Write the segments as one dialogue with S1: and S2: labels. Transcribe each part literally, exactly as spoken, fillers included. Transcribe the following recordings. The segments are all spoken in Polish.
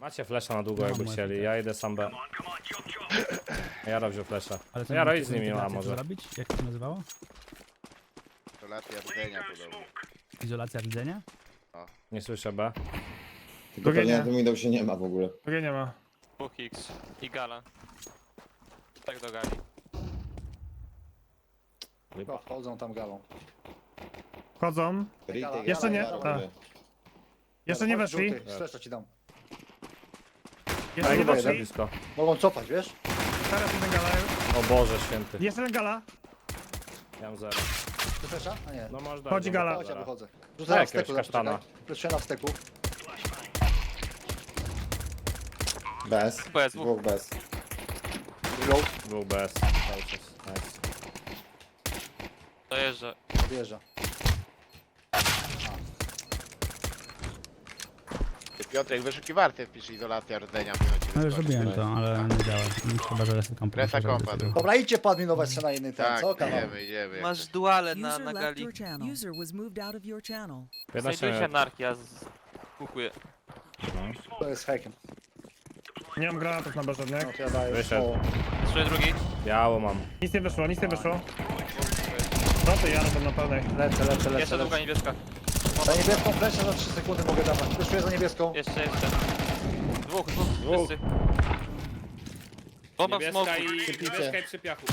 S1: Macie flesza na długo,
S2: No,
S1: jakby
S2: macie,
S1: chcieli.
S2: tak.
S1: Ja idę sam B. Jaro wziął flesza.
S2: Ale
S1: No Jaro
S2: możecie
S1: idź z nimi, a
S2: wentylację
S1: może.
S2: to zrobić? Jak to się nazywało?
S3: Izolacja rdzenia podobno.
S2: Izolacja rdzenia?
S1: Nie słyszę B.
S4: Tylko
S5: Drugie
S4: pewnie
S5: nie.
S4: na tym Windowsie nie ma w ogóle.
S5: Drugie nie ma.
S6: dwóch X i gala. Tak do gali.
S7: Chyba wchodzą tam galą.
S5: Wchodzą.
S4: Retake,
S5: Jeszcze nie?
S4: Jaro,
S5: Tak.
S4: Jaro.
S5: Jeszcze nie weszli.
S7: Streszcza ci dam.
S5: Jeszcze nie
S4: Chyba
S1: Za
S5: weszli.
S1: blisko.
S7: Mogą cofać, wiesz?
S5: Teraz jeden gala.
S1: O Boże święty.
S5: Jeszcze jeden gala.
S1: Ja mam zero.
S7: Ty flesza? A nie.
S1: No można.
S5: Chodzi gala.
S7: Chodź, ja
S1: Zero.
S7: wychodzę.
S1: Daj
S7: Rzucę na
S1: jakiegoś
S7: wsteku,
S1: kasztana.
S7: zaczekaj. Fleszuję na wsteku.
S4: Bez.
S6: Bez, dwóch.
S4: Dwóch bez.
S7: Reload.
S1: Był bez. Cały czas. Nice.
S6: Dojeżdża.
S7: Wjeżdża.
S3: Piotrek, wyszukiwarkę wpisz izolacja rdzenia. powinno ci
S2: No już
S3: wyskoczyć.
S2: zrobiłem to, ale nie działa. Chyba, że resy kompa.
S3: Resa kompa, no.
S7: Dobra, idźcie podminować się na inny ten,
S3: Tak,
S7: co? Kanał.
S3: idziemy, idziemy.
S6: Masz duale na,
S8: User
S6: na
S8: left
S6: gali.
S8: your channel. User was moved out of your channel.
S1: piętnaście
S6: Znajduje się
S1: minut.
S6: anarchia. Z... Kukuję.
S7: To jest hakiem.
S5: Nie mam granatów na B żadnych.
S7: No to ja daję.
S1: Wyszedł.
S7: O,
S6: Trzy drugi.
S1: Biało mam.
S5: Nic nie wyszło, nic nie wyszło. No to ja to na pełnej.
S7: lecę, lecę, lecę.
S6: Jeszcze długa
S7: lecę.
S6: niebieska.
S7: Za niebieską fleszę za trzy sekundy mogę dawać. Fleszuję za niebieską.
S6: Jeszcze, jeszcze. Dwóch, dwóch.
S1: Dwóch.
S6: Wszyscy. Bomba w smoku.
S1: niebieska i przy piachu.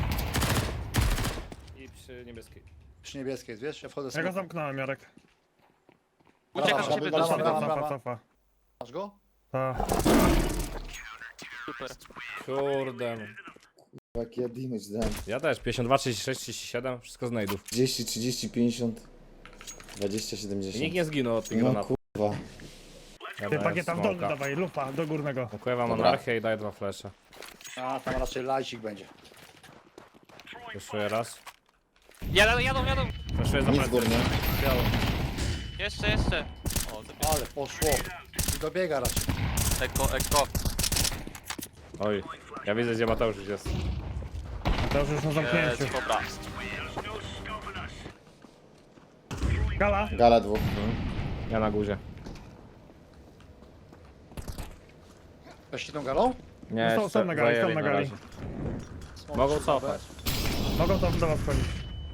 S1: I przy niebieskiej.
S7: Przy niebieskiej jest, wiesz? Ja wchodzę
S5: Ja go
S7: z
S5: zamknąłem, Jarek.
S6: Uciekam
S7: Brawa,
S6: z ciebie
S7: brawa,
S6: do
S7: brawa,
S6: siebie.
S7: brawa.
S5: Cofa, cofa.
S7: Masz go?
S5: Tak.
S6: Super.
S1: Kurde.
S4: Jaki ja damage dałem.
S1: Ja też. pięćdziesiąt dwa, trzydzieści sześć, trzydzieści siedem. Wszystko znajdów.
S4: trzydzieści, trzydzieści, pięćdziesiąt. dwadzieścia,
S1: I
S4: siedemdziesiąt.
S1: nikt nie zginął od tych
S4: No
S1: granatów.
S4: kurwa.
S1: Ja
S5: Ty
S1: dałem
S5: pakieta w dolny
S1: smoka.
S5: dawaj, lufa, do górnego.
S1: Dziękuję wam
S4: Dobra.
S1: anarchię i daję dwa flesze.
S7: A, tam raczej lajcik będzie.
S1: Jeszcze raz.
S6: Jadą, jadą, jadą.
S1: Fleszuję za
S4: Nic
S1: plecy.
S4: górny.
S6: Jeszcze, jeszcze. O, zabiję.
S7: Ale poszło. I dobiega raczej.
S6: Eko, eko.
S1: Oj. Ja widzę, gdzie Mateusz już jest.
S5: To już już na zamknięciu.
S6: Jest, dobra.
S5: Gala.
S4: Gala dwóch.
S1: Ja na górze.
S7: Weszli tą galą?
S1: Nie,
S5: No są-
S1: jeszcze
S5: są na gali,
S1: zajęli
S5: są na gali.
S1: razie. Mogą cofać.
S5: Mogą to do was wchodzić.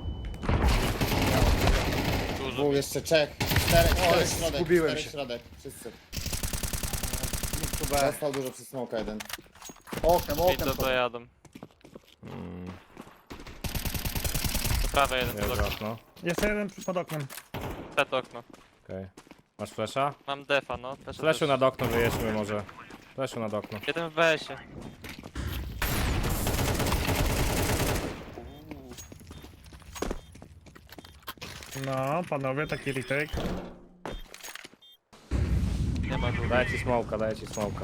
S6: Dużo.
S4: Dwóch jeszcze czek. Czterech, czterech środek.
S7: zgubiłem
S4: czterech
S7: się.
S4: środek. Wszyscy.
S7: Tu B.
S4: Dostał dużo przez smoka jeden.
S7: Oknem,
S6: I
S7: oknem.
S6: to
S7: wchodzą.
S6: dojadą.
S1: Mm,
S6: To prawe jeden
S1: nie
S6: pod okno.
S1: okno.
S5: Jeszcze jeden przy- pod oknem.
S6: Przed okno.
S1: Okej. Masz flesza?
S6: Mam defa, no. Też,
S1: Fleszu
S6: też.
S1: nad okno wyjedźmy może. Fleszu nad okno.
S6: Jeden w wesie.
S5: No, panowie, taki retake.
S6: Nie ma góry.
S1: Daję ci smoka, daję ci smoka.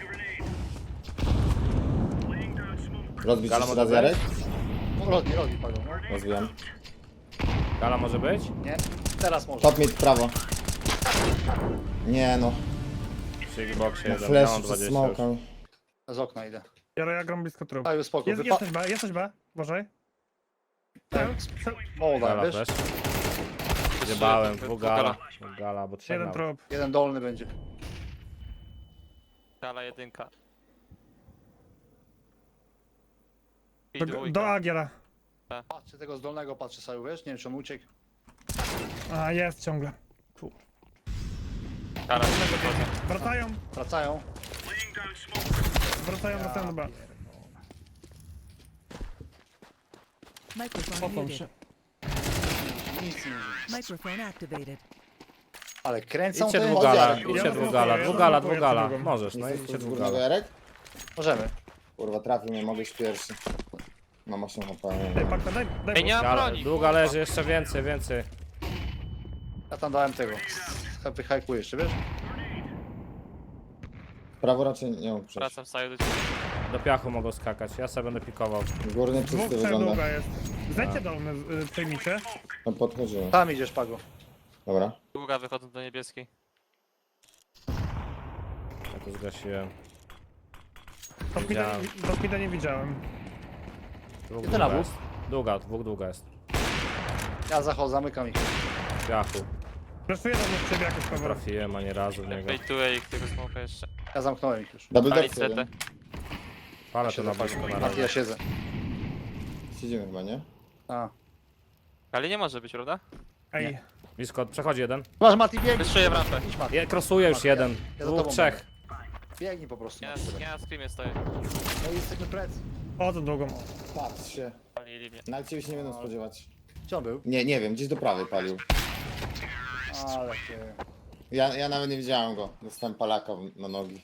S4: Rozbić
S1: Gala
S4: jeszcze
S1: może
S4: raz Jarek?
S7: No, robi, robi, Pago. No.
S4: Rozbijam.
S1: Gala może być?
S7: Nie? Teraz może.
S4: Top mid prawo. Nie no.
S1: Przy Xboxie
S4: Na
S1: jeden. Ja mam
S4: flash przez
S1: dwadzieścia już.
S4: smoka.
S7: Z okna idę.
S5: Jaro, ja gram blisko trup.
S7: A już spoko.
S5: Jest,
S7: Wypa-
S5: jesteś B, jesteś B, uważaj.
S7: Tak. Moda,
S1: Gala
S7: wiesz?
S1: flash. Zjebałem,
S6: Dwóch
S1: dwóch
S6: gala.
S1: gala. Dwóch gala, bo trzech
S5: Jeden
S1: nawet.
S5: trup.
S7: Jeden dolny będzie.
S6: Gala jedynka. I
S5: Do,
S6: dwójka.
S5: do Agiera.
S7: Patrzę tego z dolnego, patrzę sobie, wiesz? Nie wiem, czy on uciekł.
S5: A, jest ciągle.
S6: Gala wychodzę.
S5: Wracają,
S7: Wracają.
S5: wracają, wracają do B.
S8: Microphone
S5: Cofam się.
S8: muted.
S7: Nic nie mówi.
S8: Microphone activated.
S7: Ale kręcą
S1: Idźcie
S7: te...
S1: dwóch gala,
S7: Jarek,
S1: idźcie
S5: Ja
S1: dwóch
S5: to
S1: gala,
S5: blokuję,
S1: dwóch
S5: ja
S1: gala,
S5: to
S1: dwóch
S5: blokuję,
S1: gala.
S5: to drugą.
S1: Możesz, no
S4: Jesteś
S1: idźcie
S4: z
S1: dwóch
S4: górnego
S1: gala.
S4: Jarek?
S7: Możemy.
S4: Kurwa trafił mnie, mogę iść pierwszy. Mam osiem H P.
S5: Ej, Pakta, daj, daj
S6: Ej, nie mam
S1: Gala,
S6: broni.
S1: długa leży, jeszcze więcej, więcej.
S7: Ja tam dałem tego. Wyhajkuję jeszcze, wiesz?
S4: Prawo raczej nie mógł przejść.
S6: Wracam saju do ciebie.
S1: Do piachu mogą skakać, ja sobie będę pikował.
S4: Górny
S5: Dwóch,
S4: czysty
S5: trzech
S4: wygląda.
S5: długa jest. Zejdźcie dolny, y, przejmijcie.
S4: No podchodziłem.
S7: Tam idziesz, Pago.
S4: Dobra.
S6: Długa wychodzą do niebieskiej.
S1: Ja to zgasiłem.
S5: Top mida,
S1: Widziałem.
S5: top mida nie widziałem.
S1: Dwóch
S7: Jeden na
S1: długa
S7: bok.
S1: jest. Długa, dwóch długa jest.
S7: Ja zachodzę, zamykam ich.
S1: W piachu.
S5: Flashuję do mnie w ciebie jakoś
S1: Nie
S5: cover.
S1: trafiłem ani razu w niego.
S6: Bejtuję ich tego smoka jeszcze.
S7: Ja zamknąłem ich już.
S4: Double
S6: Pali
S4: dorsy jeden.
S6: setę.
S1: Palę to na boisko na
S7: Mati, ja
S1: razie.
S7: siedzę.
S4: Siedzimy chyba, nie?
S7: A.
S6: Ale nie może być, prawda?
S5: Ej,
S1: Blisko, przechodzi jeden.
S7: Masz Mati, biegnij.
S6: Wyszuję w rampę.
S7: Idź Mati,
S1: Je, krosuje już
S7: Mati,
S1: jeden.
S7: ja za
S1: Dwóch,
S7: tobą
S1: trzech.
S7: biegnij po prostu.
S6: Ja,
S7: Mati.
S6: ja na screamie stoję.
S7: No i jesteśmy plecy.
S5: chodzą długą.
S4: Patrz się.
S6: Palili mnie.
S4: Nawet ciebie się nie będą spodziewać.
S7: Gdzie on był?
S4: Nie, nie wiem, gdzieś do prawej palił.
S7: Ale ty...
S4: Ja, ja nawet nie widziałem go. Dostałem palaka w- na nogi.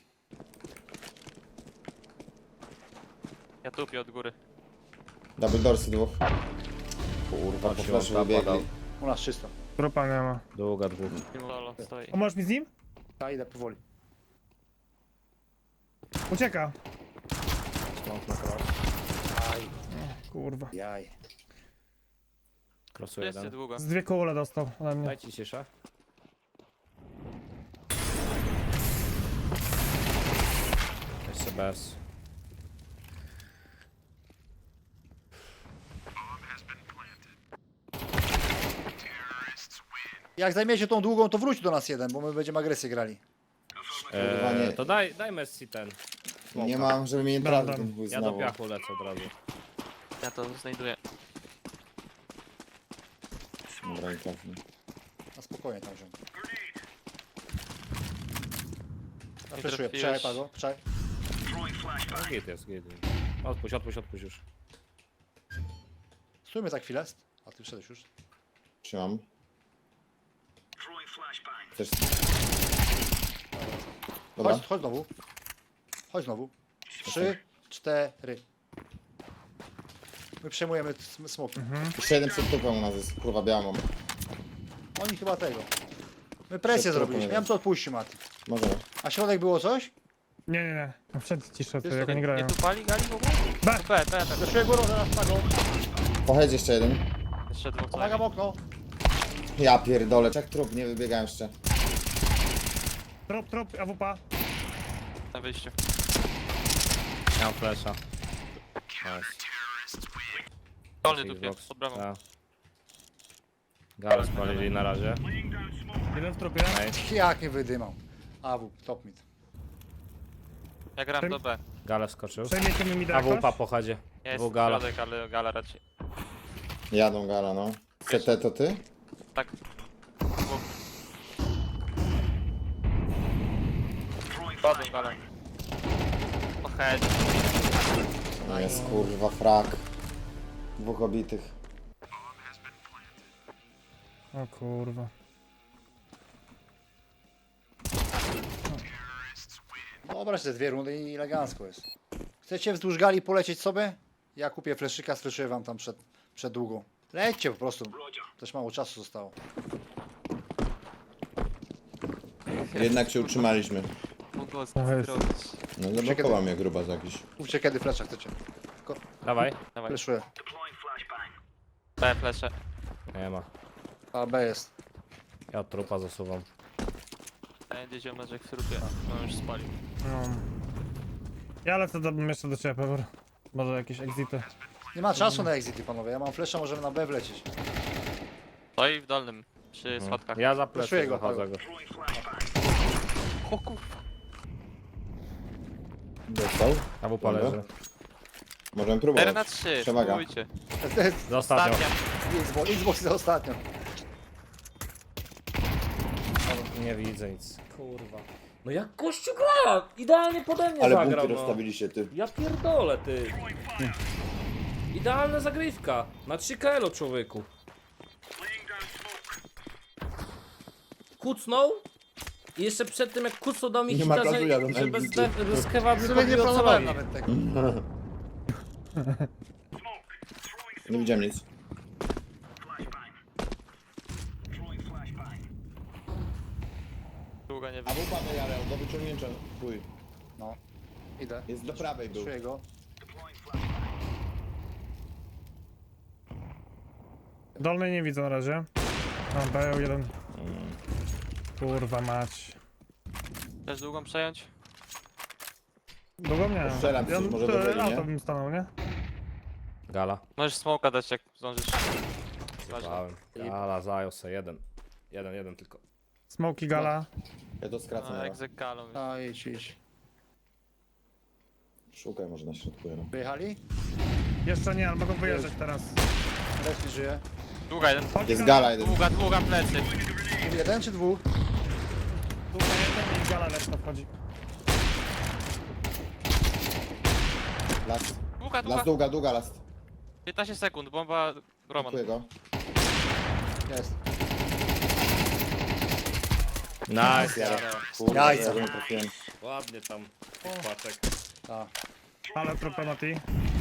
S6: Ja tupię od góry.
S4: Double dorsy dwóch. Kurwa, po
S1: Patrz,
S4: flashu
S1: on
S4: wybiegli.
S1: zapadał.
S7: U nas czysto.
S5: Grupa nie ma.
S1: Długa dwóch.
S6: Solo stoi.
S5: Pomożesz mi z nim?
S7: Ja idę powoli.
S5: Ucieka.
S1: Stąd na cross.
S5: Kurwa.
S7: Jaj.
S6: Tu
S1: Krosuje
S6: jest
S1: jeden.
S6: długo.
S5: Z dwie kule dostał ode mnie.
S1: Dajcie ciszę. Jeszcze bez.
S7: Jak zajmiecie tą długą, to wróć do nas jeden, bo my będziemy agresję grali.
S4: Kurwa, nie.
S1: Eee, to daj, daj Messi ten.
S4: Nie mam, żeby mnie nie
S5: Dam,
S4: trafił
S5: dam.
S4: ten chuj
S1: Ja do
S4: znowu.
S1: piachu lecę od razu.
S6: Ja to znajduję.
S4: Dobra, nie trafił.
S7: Na spokojnie tam wziął. Ja
S6: Nie
S7: fleszuję,
S6: trafiłeś.
S7: przejaj go, przejaj.
S1: No, git jest, git. Odpuść, odpuść, odpuść już.
S7: Stójmy za chwilę. A ty wszedłeś już.
S4: Trzymam. Chcesz... Dobra.
S7: Chodź, chodź znowu. Chodź znowu. Trzy, cztery. My przejmujemy sm- smoki.
S4: Jeszcze jeden przed tupem u nas jest. Kurwa, białą.
S7: Oni chyba tego. My presję
S4: Przed
S7: zrobiliśmy.
S4: trupem
S7: Ja bym to odpuścił, Mati.
S4: Możemy.
S7: A środek było coś?
S5: Nie, nie, nie. No wszędzie cisza, to
S7: Jest
S5: jak
S7: to-
S5: oni grają.
S6: Nie tu pali gali w ogóle?
S5: B.
S6: B, B, B.
S7: Zeszuję górą, zaraz pagą.
S4: Pochedź jeszcze jeden.
S6: Jeszcze dwóch co
S7: Pomagam
S6: najmniej.
S7: okno.
S4: Ja pierdolę, czek trup, nie wybiegałem jeszcze.
S5: Trop, trop, A W P.
S6: Na wyjściu.
S1: Ja mam flesza. Nice.
S6: Dolny tupie,
S1: Xbox.
S6: pod bramą.
S1: Tak. Gale spalili na razie.
S5: Jeden w trupie.
S1: Nice.
S7: Jak nie wydymał. A W, top mid.
S6: Ja gram do B.
S1: Gale skoczył.
S5: Przejmiecie mi mida
S1: A wupa
S5: jakoś?
S1: po chodzie.
S6: Jest
S1: Dwóch gala.
S6: środek, ale gala raczej.
S4: Jadą gala, no. C T to ty?
S6: Tak. Dwóch. Padł gala. O head.
S4: No jest kurwa frak. Dwóch obitych.
S5: O kurwa.
S7: Dobra, te dwie rundy i elegancko jest. Chcecie wzdłuż gali polecieć sobie? Ja kupię fleszyka, sfleszuję wam tam przed, przed długą. Lećcie po prostu. Też mało czasu zostało.
S4: Jednak się utrzymaliśmy.
S6: Mogło
S5: jest.
S6: zrobić.
S4: No zablokował mnie grubas jakiś.
S7: Mówcie kiedy flesza chcecie.
S1: Dawaj.
S6: Dawaj.
S7: Fleszuję.
S6: B, flesze.
S1: Nie ma.
S7: A B jest.
S1: Ja od trupa zasuwam.
S6: Będzie ziomeczek w trupie. No już spalił.
S5: No. Ja lecę do, jeszcze do ciebie, Pewor. Może jakieś exity.
S7: Nie ma czasu na exity, panowie. Ja mam flesza, możemy na B wlecieć.
S6: Stoi w dolnym. Przy schodkach.
S1: Ja za
S7: Fleszuję
S1: plecy
S7: go,
S1: zachodzę go.
S6: O kurwa.
S4: Dostał?
S1: A wupa
S4: Dobra.
S1: leży.
S4: Możemy
S6: cztery na
S4: próbować.
S6: trzy.
S4: Przewaga.
S6: Spróbujcie.
S1: Za ostatnią.
S6: Ostatnia.
S7: Xbox, Xbox za ostatnio.
S1: Nie widzę nic. Kurwa. No jak gościu gra! Idealnie pode mnie
S4: Ale
S1: zagrał,
S4: bunkier
S1: no.
S4: rozstawiliście ty.
S1: Ja pierdolę, ty. Idealna zagrywka. Na trzy K L o człowieku. Kucnął. I jeszcze przed tym jak kucnął dał mi
S4: Nie ma
S1: hita,
S4: czasu,
S1: że,
S4: jadą
S1: że bez,
S4: M V P.
S1: de- bez kewa
S7: W sumie nie
S1: wypadli
S7: planowałem
S1: ocalowi.
S7: nawet tego.
S4: Nie widziałem nic.
S6: Długo nie
S4: A
S6: wiem.
S4: wupa to jarę, do wyciągnięcia. Chuj.
S7: No. Idę.
S4: Jest do prawej był.
S7: Fleszuję go.
S5: Dolnej nie widzę na razie. A, B jeden. Kurwa mać.
S6: Chcesz długą przejąć?
S5: Długo mnie.
S4: Strzelam
S5: Ja,
S4: coś, może
S5: to
S4: do woli,
S5: auto
S4: nie?
S5: bym stanął, nie?
S1: Gala.
S6: Możesz smoka dać jak zdążysz. Ważne.
S1: Zjebałem. Gala zajął se jeden. Jeden, jeden tylko.
S5: Smoki gala.
S4: Ja to skracam
S6: No,
S4: na
S6: jak z galą.
S7: A idź, idź.
S4: Szukaj może na środku jeden.
S7: Wyjechali?
S5: Jeszcze nie, ale mogą wyjeżdżać teraz.
S7: Leslie żyje.
S6: Długa jeden.
S5: Chodź,
S4: Jest
S5: gala.
S4: gala jeden.
S6: Długa, długa plecy.
S7: Jeden czy dwóch?
S5: Długa jeden i gala lepsza wchodzi.
S4: Last.
S6: Długa, długa.
S4: Last długa, długa last.
S6: piętnaście sekund, bomba Roman.
S4: Dziękuję go.
S7: Jest.
S1: Nice,
S4: Ja,
S1: ja.
S4: kurde,
S7: Jajca.
S4: ja go nie trafiłem.
S1: Ładnie tam. Paczek.
S7: A.
S5: Ale trupę Mati.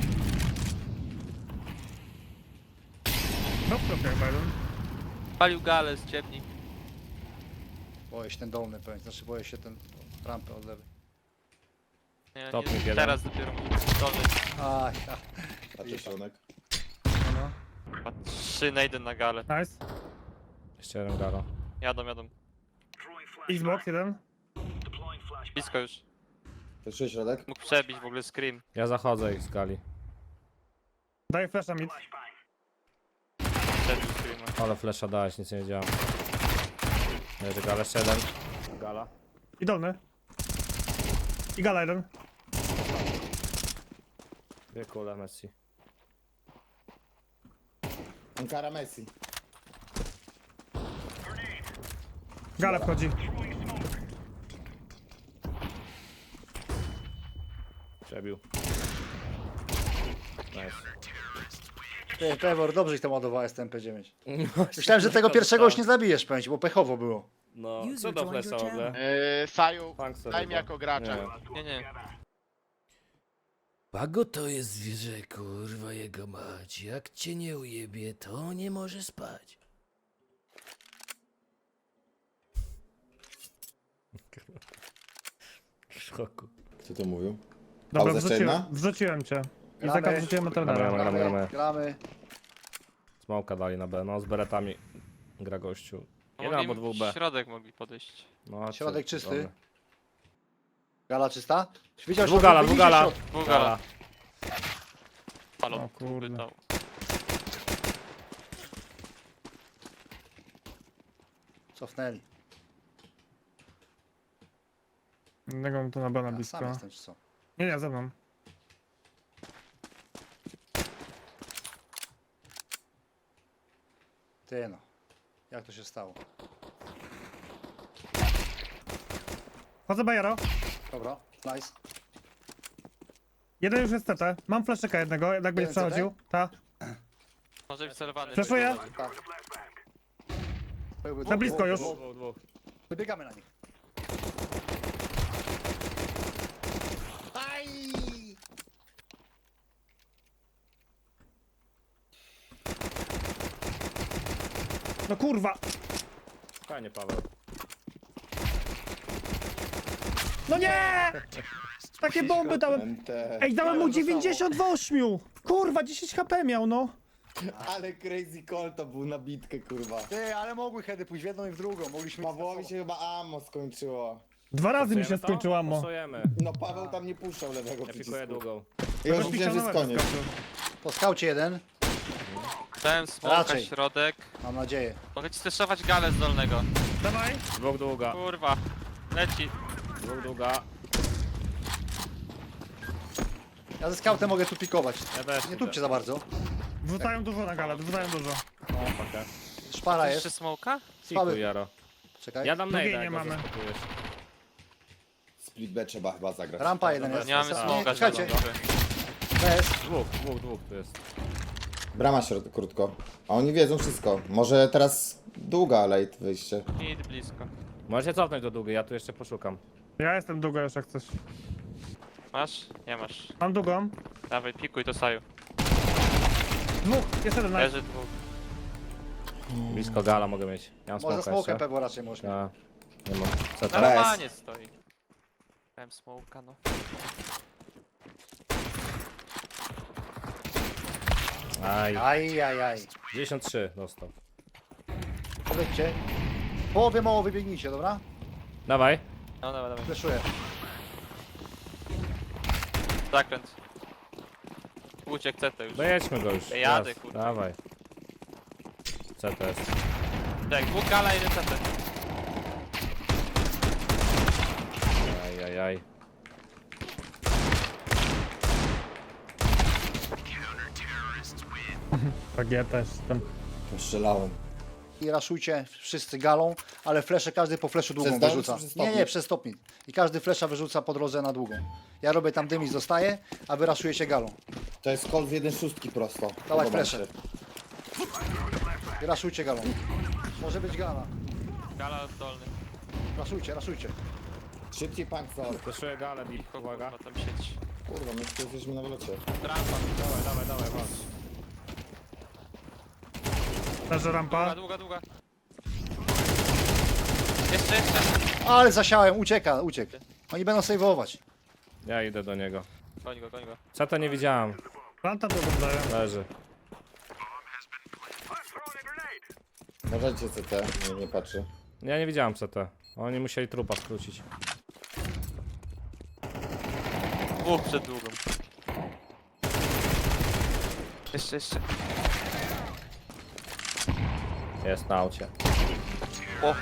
S5: No trupie chyba jeden.
S6: Palił galę z ciemni.
S7: Boję się ten dolny pewnie, znaczy boję się ten rampę od lewej.
S6: Nie,
S1: Topnik
S6: nie,
S1: jeden.
S6: teraz dopiero dolny.
S7: Aj, ja.
S4: Patrzę środek.
S5: No,
S6: Chyba trzy na jeden na galę.
S5: no. Nice.
S1: Jeszcze jeden gala.
S6: Jadą, jadą.
S5: Xbox jeden.
S6: Blisko już.
S4: Patrzę środek.
S6: Mógł przebić w ogóle scream.
S1: Ja zachodzę ich z gali.
S5: Daj flasha mid.
S6: Przebił screama.
S1: Ale flesza dałeś, nic nie wiedziałem. Leży gala, jeszcze jeden. Gala.
S5: I dolny. I gala jeden.
S1: Dwie kule Messi.
S4: Ankara Messi.
S5: Gala wchodzi.
S1: Przebił. Nice.
S7: Ty, Pewor, dobrze ich tam ładowałeś z T M P dziewięć. Myślałem, że tego pierwszego już nie zabijesz, powiem ci, bo pechowo było.
S1: No,
S8: User
S1: co do
S8: joined
S1: flesza
S8: your
S1: w ogóle?
S3: Yy, Saju,
S1: Funk sobie
S3: daj mi
S1: chyba.
S3: jako gracza.
S1: Nie.
S6: Nie, nie.
S9: Pago to jest zwierzę, kurwa jego mać. Jak cię nie ujebie, to nie może spać.
S1: W szoku.
S4: Kto to mówił?
S5: Dobra,
S4: Pauza jeszcze
S5: wrzuciłem,
S4: jedna?
S5: wrzuciłem cię. I
S7: Gramy.
S5: taka wrzuciłem
S1: Gramy,
S5: Eternera.
S1: gramy, gramy.
S7: Gramy, gramy.
S1: Smoka dali na B, no z beretami gra gościu.
S6: No
S1: Jeden
S6: mogli
S1: albo dwóch B.
S6: środek mogli podejść.
S1: No,
S7: Środek
S1: czy-
S7: czysty.
S1: dobra.
S7: Gala czysta? Widział,
S1: Dwóch gala, dwóch gala.
S6: Dwóch
S1: Gala.
S6: gala. Halo,
S5: O kurde.
S6: pytał.
S7: Cofnęli.
S5: Innego mam tu na bana
S7: Ja sam
S5: blisko.
S7: jestem, czy co?
S5: Nie, nie, ze mną.
S7: Ty no. Jak to się stało?
S5: Chodzę Bajero.
S7: Dobra, nice.
S5: Jeden już jest T T. Mam flaszyka jednego, jednak będzie
S7: Jeden
S5: przechodził. Ta.
S6: Może być celowany.
S5: Flashuję.
S7: Tak. Byłby
S5: Na blisko już.
S1: Dwóch, dwóch, dwóch.
S7: Wybiegamy na nich. Aj!
S5: No kurwa.
S1: Fajnie, Paweł.
S5: No nie! Takie bomby dałem.
S4: M T.
S5: Ej, dałem mu dziewięćdziesiąt w ośmiu. Kurwa, dziesięć H P miał, no.
S4: Ale Crazy Call to był na bitkę, kurwa.
S7: Ty, ale mogły heady pójść w jedną i w drugą. Mogliśmy...
S4: Pawłowi się chyba ammo skończyło.
S5: Dwa razy mi się
S1: Pasujemy to?
S5: skończyło ammo.
S1: Pasujemy.
S4: No Paweł tam nie puszczał lewego
S1: Ja
S4: przycisku.
S1: pikuję długą.
S4: Ja już
S5: Ktoś
S4: widziałem, że jest
S5: pisał na
S4: koniec.
S5: wyskoczył.
S7: Po skaucie jeden.
S6: Dałem smoka,
S7: Raczej.
S6: środek.
S7: Mam nadzieję.
S6: Mogę ci streszować galę z dolnego.
S5: Dawaj.
S1: Dwóch długa.
S6: Kurwa. Leci.
S1: Dwóch długa.
S7: Ja ze skautem mogę tu pikować.
S1: Ja też.
S7: Nie tupcie za bardzo.
S5: Wrzucają dużo na galę, wrzucają dużo.
S1: No, pakę.
S7: Szpara
S6: Jeszcze
S7: jest.
S6: smoka?
S7: Słaby.
S1: Pikuj, Jaro.
S7: Czekaj.
S1: Ja dam
S5: Drugiej
S1: najda,
S5: nie
S1: jak go
S5: mamy.
S1: zaspokojesz.
S4: Split B trzeba chyba zagrać.
S7: Rampa jeden jest.
S6: Nie mamy
S1: tak.
S6: smoka,
S7: Czekajcie.
S6: zielonego.
S7: Bez.
S1: Dwóch, dwóch, dwóch tu jest.
S4: Brama środek krótko. A oni wiedzą wszystko. Może teraz długa late wyjście.
S6: Mid blisko.
S1: Możecie cofnąć do długiej, ja tu jeszcze poszukam.
S5: Ja jestem długo już jak chcesz.
S6: Masz? Nie masz.
S5: Mam długą.
S6: Dawaj, pikuj to Saju.
S5: Dwóch, jest jeden. Nice.
S6: Leży dwóch.
S1: Blisko gala mogę mieć. Ja mam
S7: Może
S1: smoka
S7: smokę
S1: jeszcze.
S7: pewno raczej możesz mieć.
S1: Ja. Nie mam. Co
S6: Na
S1: tam?
S4: Bez.
S6: ramanie stoi. Miałem smoka, no.
S1: Aj.
S7: Aj, aj, aj.
S1: dziewięćdziesiąt trzy dostał.
S7: Powiedzcie. Połowie mało wybiegnijcie, dobra?
S1: Dawaj.
S6: No dawaj, dawaj.
S7: Fleszuję.
S6: Zakręt. Uciek C T już.
S1: Dojedźmy go już.
S6: Ja jadę,
S1: Raz.
S6: kurwa.
S1: Dawaj. Co to jest?
S6: Tak, dwóch gala, jeden C T.
S1: Aj, aj, aj.
S5: Tak ja też jestem.
S4: Strzelałem.
S7: I raszujcie wszyscy galą, ale flesze każdy po fleszu długą
S4: Przez dom
S7: wyrzuca.
S4: czy przez
S7: Nie,
S4: stopni?
S7: nie, przez stopni. I każdy flesza wyrzuca po drodze na długą. Ja robię tam dym i zostaję, a wy raszujecie galą.
S4: To jest kol w jeden szóstki prosto.
S7: Dawaj
S4: Podoba mi
S7: flesze.
S4: się.
S7: I raszujcie galą. Może być gala.
S6: Gala dolny.
S7: Raszujcie, raszujcie.
S4: Szybciej punk for.
S1: Proszę galę, Bip, uwaga.
S6: Kurwa, tam sieć.
S4: Kurwa, my tu jesteśmy na wylocie.
S1: Rampa, dawaj, dawaj, dawaj, walcz.
S5: Leży
S6: Długa,
S5: rampa.
S6: długa, długa. Jeszcze, jeszcze.
S7: Ale zasiałem, ucieka, uciekł. Oni będą sejwować.
S1: Ja idę do niego.
S6: Goń go, goń go.
S1: Co to nie widziałem?
S5: Planta drugą daję.
S1: Leży.
S4: Możecie C T, nie, nie patrzy.
S1: Ja nie widziałem C T. Oni musieli trupa skrócić.
S6: Dwóch przed długą. Jeszcze, jeszcze.
S1: Jest na aucie.
S6: O,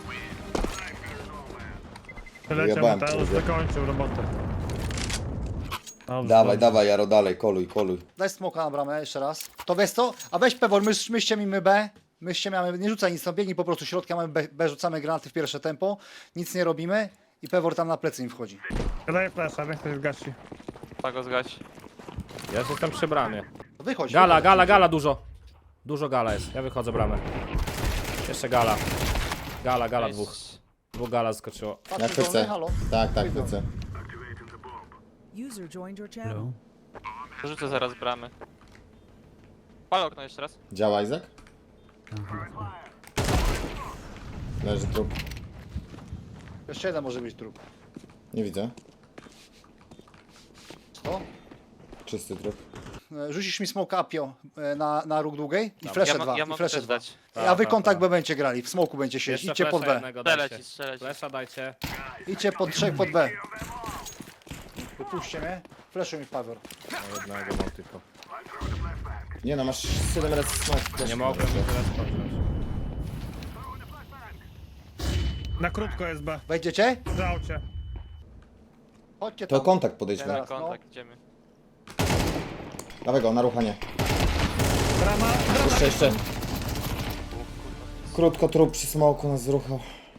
S5: Wyleciał
S4: Wyjebałem,
S5: Mateusz,
S4: kurde.
S5: dokończył robotę. Dobrze,
S4: Dawaj,
S5: dobrze.
S4: dawaj, Jaro, dalej, koluj, koluj.
S7: Daj smoka na bramę jeszcze raz. To wiesz co? A weź Pewor, my, myście mi my B. Myście mamy, nie rzucaj nic, no biegnij po prostu środka, mamy B, B, rzucamy granaty w pierwsze tempo. Nic nie robimy. I Pewor tam na plecy im wchodzi.
S5: Ja daję flasha, niech ktoś zgasi.
S6: tak go zgać.
S1: Ja już jestem przy bramie.
S7: To wychodź.
S1: Gala,
S7: wychodź.
S1: gala, gala dużo. Dużo gala jest. Ja wychodzę bramę. Jeszcze gala. Gala, gala
S6: Nice.
S1: dwóch. Dwóch gala skoczyło.
S4: Ja
S7: Patrz, dolny,
S4: chcę.
S7: halo.
S4: Tak, tak,
S7: Wyjdą.
S4: chcę.
S8: User joined your channel.
S2: Hello.
S6: Rzucę zaraz bramy. Pal okno jeszcze raz.
S4: Działa Izak?
S2: Aha.
S4: Leży trup.
S7: Jeszcze jeden może być trup.
S4: Nie widzę.
S7: Co?
S4: Czysty trup.
S7: E, Rzucisz mi smoke apio e, na, na róg długiej i
S6: Ja,
S7: flesze
S6: mo-
S7: dwa.
S6: ja
S7: I
S6: mogę
S7: flesze
S6: też
S7: dwa.
S6: dać.
S7: A wy
S1: Ta, ta,
S7: kontakt
S1: ta.
S7: B będziecie grali. W smoku będzie siedzieć.
S1: Jeszcze
S7: Idźcie pod
S1: flesza
S7: B.
S1: jednego
S6: Strzelać
S1: dajcie.
S6: ci, strzelać ci.
S1: Flesza dajcie.
S7: Idźcie pod trzech pod B. Wypuśćcie mnie. Fleszuj mi Paweł.
S1: No jednego mam tylko.
S4: Nie no, masz siedem razy smoke.
S1: Nie mogłem teraz podjąć.
S5: Na krótko jest B.
S7: Wejdziecie?
S5: W aucie.
S7: Chodźcie
S4: To
S7: tam.
S4: kontakt podejdźmy.
S7: Teraz,
S6: Na
S7: no.
S6: kontakt, idziemy.
S4: Dawaj go, na ruchanie.
S5: Brama, brama.
S4: Jeszcze, jeszcze. Krótko trup przy smoku nas zruchał.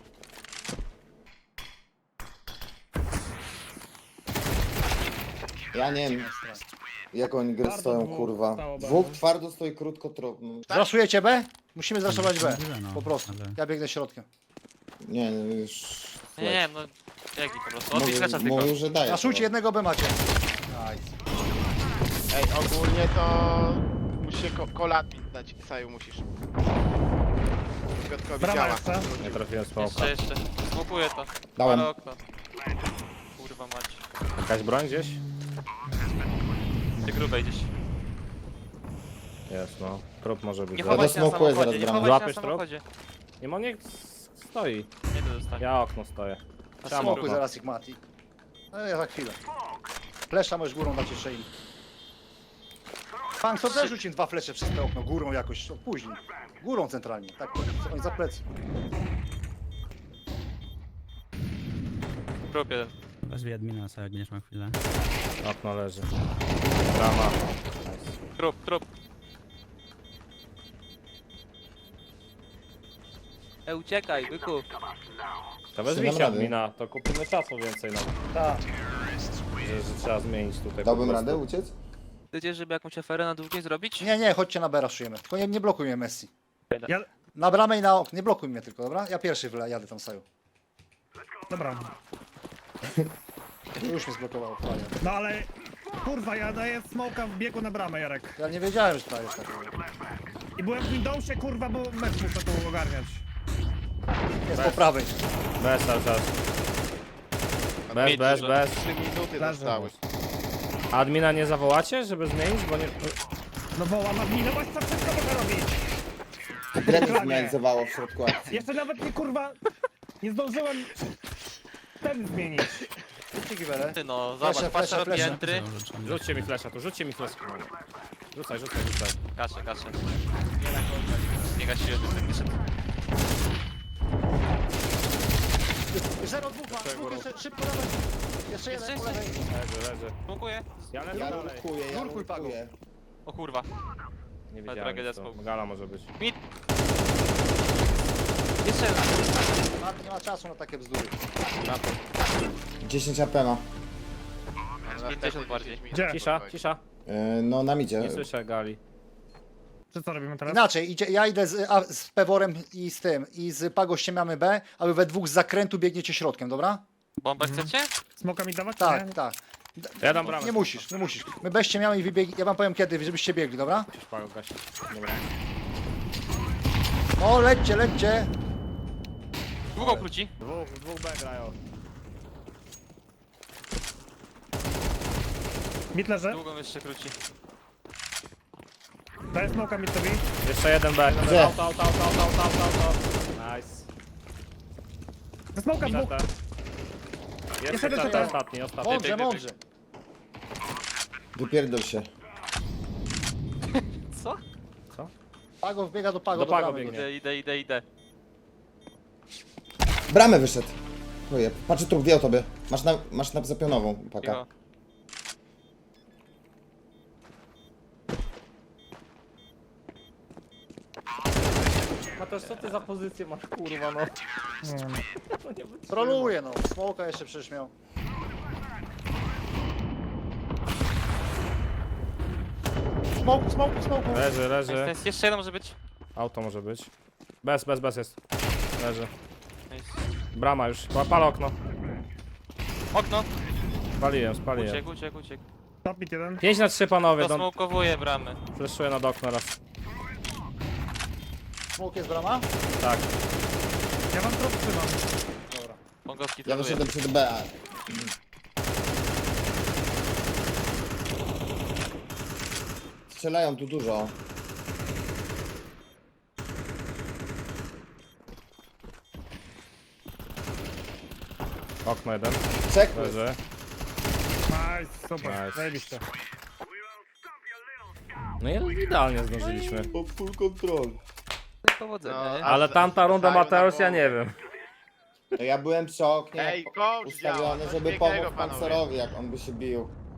S4: Ja nie wiem, jak oni gry
S5: Twardo
S4: stoją,
S5: dwóch
S4: kurwa.
S5: stało B,
S4: Dwóch
S5: no.
S4: twardo stoi, krótko trup. No.
S7: Zraszujecie B? Musimy zraszować B.
S2: Możliwe, no,
S7: Po prostu.
S2: ale-
S7: Ja biegnę środkiem.
S4: Nie, no już...
S6: Nie, nie, no. Jaki po prostu. Odbij
S4: Mówił,
S6: flecza tylko.
S4: mówił, że daje.
S7: Raszujcie jednego B macie.
S3: Ej, ogólnie to... Musisz ko kolatnik dać, Saju musisz. Piotkowi
S5: Brama
S3: działa.
S5: jeszcze.
S1: Nie trafiłem smoka.
S6: Jeszcze, jeszcze. Smokuję to.
S4: Dałem.
S6: Palę okno. Kurwa mać.
S1: Jakaś broń gdzieś?
S6: Ty grubej gdzieś.
S1: Jest no. Trup może być.
S6: Nie
S4: do
S6: chowaj się na
S4: smokuję zaraz
S6: samochodzie, nie
S4: bramę.
S6: chowaj się na
S1: Złapiesz trop?
S6: samochodzie.
S1: Nie ma niech stoi.
S6: Nie to dostanie.
S1: Ja okno stoję.
S6: Tam
S7: Smokuj
S6: grubo.
S7: zaraz ich Mati. Ale ja za chwilę. Flesza możesz górą dać jeszcze im. Pan co też rzuci dwa flesze przez to okno, górą jakoś, o, później. Górą centralnie, tak, oni za plecy.
S6: Grup jeden.
S2: Wezwij admina, sobie jak będziesz miał chwilę.
S1: Okno leży. Brama.
S6: Trup, trup. E, uciekaj, byku.
S1: To wezwijcie
S4: Dam radę.
S1: admina, to kupimy czasu więcej nam.
S7: Tak.
S1: Że, że trzeba zmienić tutaj.
S4: Dałbym
S1: po prostu.
S4: radę uciec?
S6: Chcecie, żeby jakąś aferę na długiej zrobić?
S7: Nie, nie, chodźcie na B raszujemy. Tylko nie, nie blokuj mnie Messi.
S5: Ja,
S7: Na bramę i na okno, nie blokuj mnie tylko, dobra? Ja pierwszy wyle, jadę tam Saju.
S5: dobra.
S7: Już mnie zblokowało, fajnie.
S5: No ale... Kurwa, ja daję smoka w biegu na bramę, Jarek.
S7: Ja nie wiedziałem, że to jest tak.
S5: I byłem w Windowsie, kurwa, bo mecz muszę tu ogarniać.
S7: Jest po prawej.
S1: Bez cały czas. Bez,
S6: Mieć
S1: bez,
S6: dużo.
S1: bez.
S3: Trzy minuty
S5: Leży.
S3: zostały.
S1: Admina nie zawołacie, żeby zmienić, bo nie...
S5: No wołam admina, bo co wszystko mogę robić.
S4: Grę mi zminalizowało w środku akcji.
S5: Jeszcze nawet nie, kurwa, nie zdążyłem ten zmienić.
S7: Dzięki wiele.
S6: Ty no,
S7: Flesze,
S6: zobacz, patrz,
S7: flesze,
S6: robi
S7: flesze.
S6: entry.
S1: Rzućcie mi flesza tu, rzućcie mi flesza. Rzucaj, rzucaj, rzucaj.
S6: Kaszę, kaszę. Nie gasiłem, ten wyszedł.
S7: Zero dwóch, ma. Dwóch jeszcze, szybko dawaj. Jeszcze jeden
S6: Jeszcze,
S7: po lewej.
S1: Leży, leży.
S6: Smokuję.
S1: Ja lecę
S4: Ja
S1: dalej.
S4: nurkuję, ja
S7: Nurkuj, Pago.
S4: nurkuję.
S6: O kurwa.
S1: Nie
S6: Ale
S1: wiedziałem
S6: tragedia
S1: co.
S6: smoke.
S1: Gala może być.
S6: Jeszcze jeden.
S7: Ma- Nie ma czasu na takie bzdury.
S4: dziesięć A P ma.
S6: pięćdziesiąt bardziej.
S5: Gdzie?
S1: Cisza, cisza.
S4: Yy, no nam idzie.
S1: Nie słyszę Gali.
S5: Co co robimy teraz?
S7: Inaczej, idzie, ja idę z, a, z Peworem i z tym, i z Pago ściemiamy B, a wy we dwóch z zakrętu biegniecie środkiem, dobra?
S6: Bombę chcecie?
S5: Smoka mi dawać?
S7: Tak,
S5: Nie?
S7: tak.
S1: Ja dam bramę.
S7: Nie musisz, nie musisz. My bez ściemiamy i wybieg... Ja wam powiem kiedy, żebyście biegli, dobra?
S1: Musisz Pago gasić. Dobra.
S7: O, lećcie, lećcie.
S6: Długo króci.
S1: Dwóch, dwóch B grają.
S5: Mid leży.
S6: Długo jeszcze króci.
S5: Daję smoka midowi.
S1: Jeszcze jeden B.
S4: Gdzie?
S1: Auto, auto, auto, auto, auto, auto, auto. Nice.
S5: Ze smoka dwóch.
S1: C T.
S5: Jeszcze
S1: Jeszcze
S5: jeden
S1: C T,
S5: C T.
S1: ostatni, ostatni.
S7: Mądrze,
S6: bieg, bieg,
S7: mądrze.
S4: Wypierdol się.
S6: Co?
S7: Pago wbiega do Pago,
S1: Do Pago
S7: bramy.
S1: biegnie.
S6: Idę, idę, idę, idę.
S4: Bramę wyszedł. Chuje. Patrzę trup, wie o tobie. Masz na, masz na zapionową, paka.
S6: Cicho.
S1: Mateusz, co ty za pozycję masz, kurwa, no?
S5: Nie, no.
S7: Troluje no, smoka jeszcze przecież miał. Smoke, smoke, smoke.
S1: Leży,
S6: Nice,
S1: leży.
S6: nice. Jeszcze jeden może być.
S1: Auto może być. Bez, bez, bez jest. Leży.
S6: Nice.
S1: Brama już. Pa- Pal okno.
S6: Okno.
S1: Spaliłem, spaliłem.
S6: Uciekł, uciekł, uciekł.
S5: Top mid jeden.
S1: pięć na trzy panowie, don...
S6: Dosmokowuje bramy.
S1: Fleszuję nad okno raz.
S7: Smoke jest brama?
S1: Tak.
S5: Ja mam trop trzymam.
S7: Dobra.
S6: Pongowski
S4: Ja
S6: troluje.
S4: wyszedłem przed B. Strzelają tu dużo.
S1: Okno jeden.
S4: Czek.
S1: Leży.
S5: Nice, super.
S1: Nice.
S5: Zajebiście.
S1: No i idealnie zdążyliśmy.
S4: Full control.
S6: Powodzenia,
S3: No,
S6: nie?
S3: a-
S1: Ale tamta runda
S3: Saju na
S1: Mateusz, ja
S3: bombę.
S1: nie wiem.
S4: No ja byłem przy oknie
S3: Ej, coach działa,
S4: ustawiony,
S3: coś
S4: żeby
S3: pięknego,
S4: pomóc
S3: panowie.
S4: Pancerowi, jak on by się bił.